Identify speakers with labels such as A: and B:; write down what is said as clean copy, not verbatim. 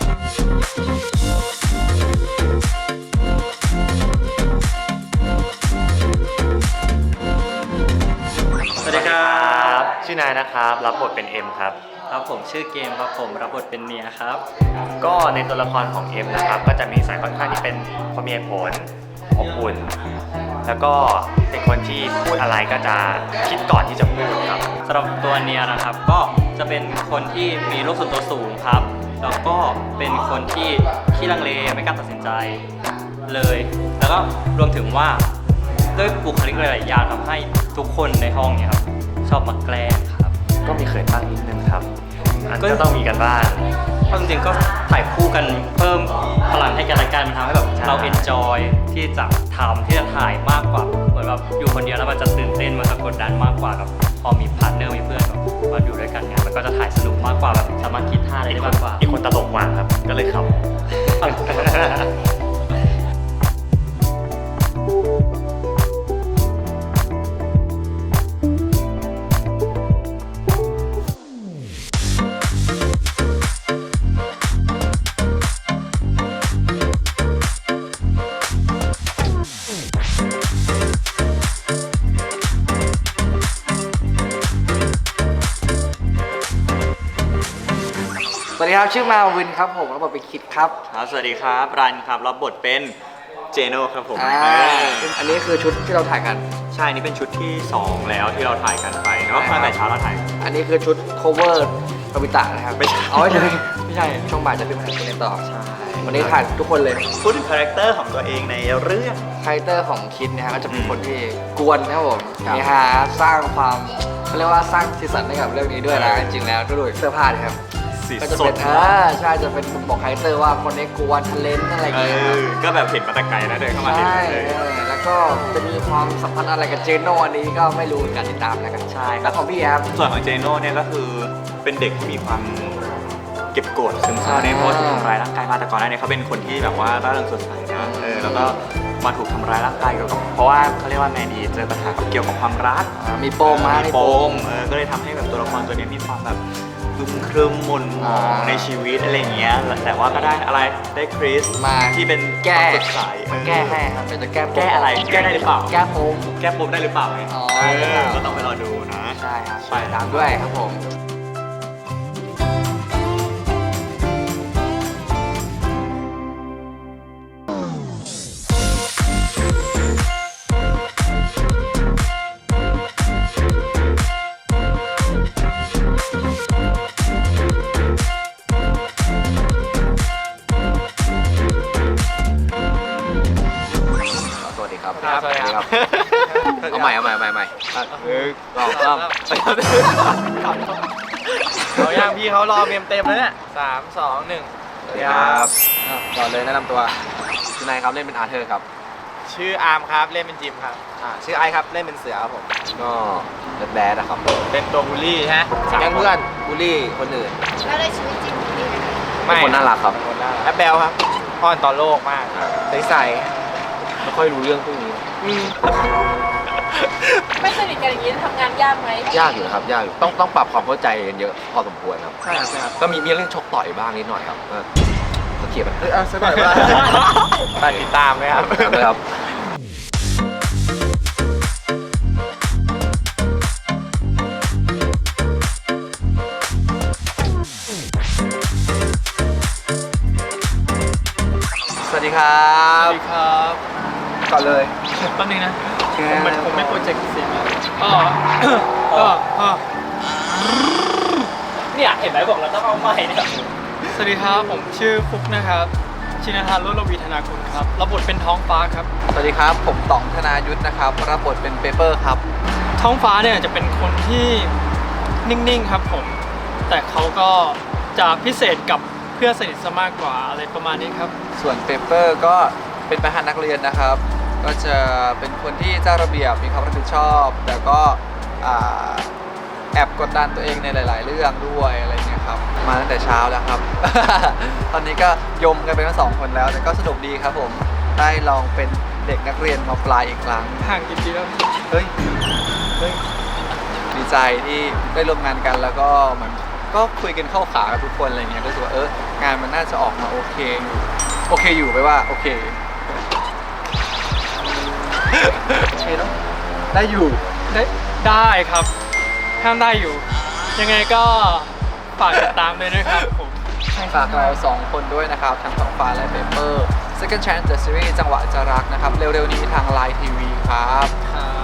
A: สวัสดีครับชื่อนายนะครับรับบทเป็นเอ็มครับ
B: ครับผมชื่อเกมครับผมรับบทเป็นเนียครับ
A: ก็ในตัวละครของเอ็มนะครับก็จะมีสายค่อนข้างที่เป็นคนมีเหตุผลอบอุ่นแล้วก็เป็นคนที่พูดอะไรก็จะคิดก่อนที่จะพูดครับ
B: สำหรับตัวเนียนะครับก็จะเป็นคนที่มีโลกส่วนตัวสูงครับแล้วก็เป็นคนที่ขี้ลังเลไม่กล้าตัดสินใจเลยแล้วก็รวมถึงว่าด้วยบุคลิกหลายๆอย่างทำให้ทุกคนในห้องเนี่ยครับชอบมาแกล้งครับ
A: ก็มีเขินบ้างนิดนึงครับก็ต้องมีกันบ้าง
B: เพราะจริงๆก็ถ่ายคู่กันเพิ่มพลังให้กันและกันมันทำให้แบบเราเอนจอยที่จะทำที่จะถ่ายมากกว่าเหมือนแบบอยู่คนเดียวแล้วมันจะตื่นเต้นมันจะกดดันมากกว่ากับพอมีพาร์ทเนอร์มีเพื่อนแบบมาอยู่ด้วยกันเนี่ยมันก็จะถ่ายสนุกมากกว่าแบบสามารถคิดท่าอะไรได้มากกว่า
A: อีกคนตลกกว่าครับก็เลยขำ
C: สวัสดีครับชื่อมาวินครับผมรับบทเป็นคิดครับ
B: สวัสดีครับรันครับรับบทเป็นเจโน่ครับผม
C: อันนี้คือชุดที่เราถ่ายกัน
B: ใช่นี่เป็นชุดที่2แล้วที่เราถ่ายกันไปเนาะตั้งแต่เช้าเราถ่าย
C: อันนี้คือชุด cover ปวิตะนะครับ
B: ไม่ใช่
C: ไม่ใช่ช่องบ่ายจะเป็นถ่ายกันต่อใช่วันนี้ถ่ายทุกคนเลย
B: พูดถึงคาแรคเตอร์ของตัวเองในเรื่อง
C: คาแรคเตอร์ของคิดนะฮะก็จะเป็นคนที่กวนนะครับผมนี่ฮะสร้างความเขาเรียกว่าสร้างสีสันให้กับเรื่องนี้ด้วยนะจริงๆแล้วด้วยเสื้อผ้าครับก็จะเป็นใช่จะเป็นบอกคาแรคเตอร์ว่าคนนี้กวนทะเลนอะไรอย่างเงี้ย
B: ก็แบบเห็นมาแต่ไกลแล้วเดินเข้ามาเห็นเลย
C: แล้วก็จะมีความสัมพันธ์อะไรกับเจโน่อันนี้ก็ไม่รู้การติดตามแล้วกัน
B: ใช่
C: แล้วของพี่ครับ
B: ส่วนของเจโน่เนี่ยก็คือเป็นเด็กที่มีความเก็บกดซึมเศร้าในเพราะถูกทำร้ายร่างกายมาแต่ก่อนหน้านี้เขาเป็นคนที่แบบว่าร่าเริงสดใสนะแล้วก็มาถูกทำร้ายร่างกายเกี่ยวกับเพราะว่าเขาเรียกว่าแมนดีเจอปัญหาเกี่ยวกับความรัก
C: มีปม
B: ก็เลยทำให้แบบตัวละครตัวนี้มีความแบบอึมครึมหม่นหมองในชีวิตอะไรอย่างเงี้ยแต่ว่าก็ได้อะไรได้คริส
C: มา
B: ที่เป็น
C: แก้
B: สดใส
C: แก้ให้ครับจะ
B: แก้อะไรแก้ได้หรือเปล่า
C: แก้
B: ปมได้หรือเปล่าก็ต้องไปรอดูนะ
C: ใช่ครับไปตามด้วยครับผม
B: สวัสดีครับ
C: เอาใหม่
D: เราย่างพี่เขารอเต็มแล้วเนี่ย3 2 1
C: สวัสดีครับก่อนเลยแนะนำตัวชื่อนายครับเล่นเป็นอาร์เธอร์ครับ
D: ชื่ออาร์มครับเล่นเป็นจิมครับ
C: ชื่อไอครับเล่นเป็นเสือครับผมก็แบดนะครับ
D: เป็นตัวบูลลี่ฮะ
C: แก๊งเพื่อนบูลลี่คนอื่น
E: แล้วในชีวิตจริงบูลลี่ไหม
C: ไม่คนน่ารักครับ
D: แอปเบลครับอ้อนต่อโลกมากใส
C: ไม่ค่อยรู้เรื่องพวกนี้
E: ไม่สนิทกันอย่างนี้ทำงานยากไหม
C: ยากอยู่ครับยากอยู่ต้องปรับความเข้าใจกันเยอะพอสมควรครับ
D: ใช่ครับ
C: ก็มีเรื่องชกต่อยบ้างนิดหน่อยครับก็เขียนมัน
D: สักหน่อยว่าไปติดตามไหมครับ
C: สวัสดีครับก่อนเลย
D: แป๊บนึงนะผมไม่โปรเจกต์เสียง
B: เนี่ยเห็นไหมบอกเราต้องเอาใหม่เนี่ย
D: สวัสดีครับผมชื่อฟุกนะครับชินทานโลลวีธนาคุณครับรับบทเป็นท้องฟ้าครับ
C: สวัสดีครับผมต่องธนายุทธนะครับรับบทเป็นเปเปอร์ครับ
D: ท้องฟ้าเนี่ยจะเป็นคนที่นิ่งๆครับผมแต่เขาก็จะพิเศษกับเพื่อนสนิทซะมากกว่าอะไรประมาณนี้ครับ
C: ส่วนเปเปอร์ก็เป็นประธานนักเรียนนะครับก็จะเป็นคนที่เจ้าระเบียบมีความรับผิดชอบแต่ก็แอบกดดันตัวเองในหลายๆเรื่องด้วยอะไรเงี้ยครับมาตั้งแต่เช้าแล้วครับ ตอนนี้ก็ยมกันไปทั้ง2 คนแล้วแต่ก็สนุกดีครับผมได้ลองเป็นเด็กนักเรียนมาปลายอีกครั้ง
D: ห่างกี่ปีแล้ว
C: เฮ้ยดีใจที่ได้ร่วมงานกันแล้วก็เหมือนก็คุยกันเข้าขากับทุกคนอะไรเงี้ยก็รู้สึกว่างานมันน่าจะออกมาโอเคอยู่ไปว่าโอเคโอเคเนาะได้อยู่
D: ได้ครับห้ามได้อยู่ ยังไงก็ฝากติดตามด้วยนะครับผม
C: ฝากเรา2คนด้วยนะครับทั้งสองฟ้าและเปเปอร์ Second Chance The Series จังหวะจะรักนะครับ เร็วๆนี้ทาง Line TV ครับ
D: ครับ